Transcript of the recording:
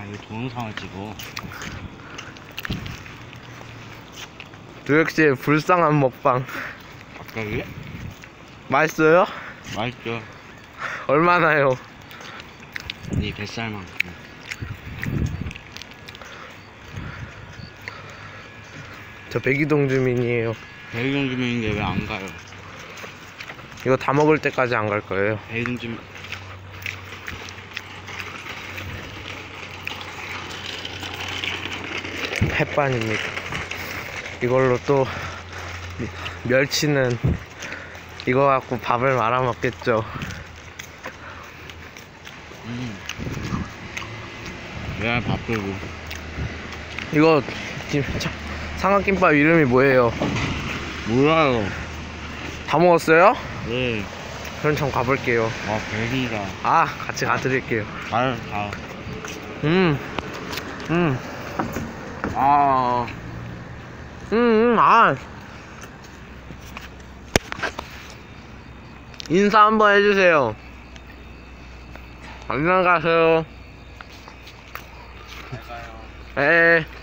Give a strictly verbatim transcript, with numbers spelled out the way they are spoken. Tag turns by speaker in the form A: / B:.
A: 아, 이거 동영상을 찍어.
B: 두혁씨의 불쌍한 먹방.
A: 갑자기?
B: 맛있어요?
A: 맛있죠.
B: 얼마나요?
A: 네 뱃살만큼.
B: 저 백이동 주민이에요.
A: 백이동 주민인데 왜 안 가요?
B: 이거 다 먹을 때까지 안 갈 거예요.
A: 백이동 주민.
B: 햇반입니다. 이걸로 또 멸치는 이거 갖고 밥을 말아 먹겠죠.
A: 음. 왜 밥들고?
B: 이거 김, 차, 삼각김밥 이름이 뭐예요?
A: 몰라요.
B: 다 먹었어요?
A: 네.
B: 그럼 전 가볼게요.
A: 아, 배신이다.
B: 아, 같이 가드릴게요.
A: 가요, 가.
B: 음, 음,
A: 아,
B: 음, 음, 아. 인사 한번 해주세요. 안녕 가세요.
A: 잘 가요.
B: 에.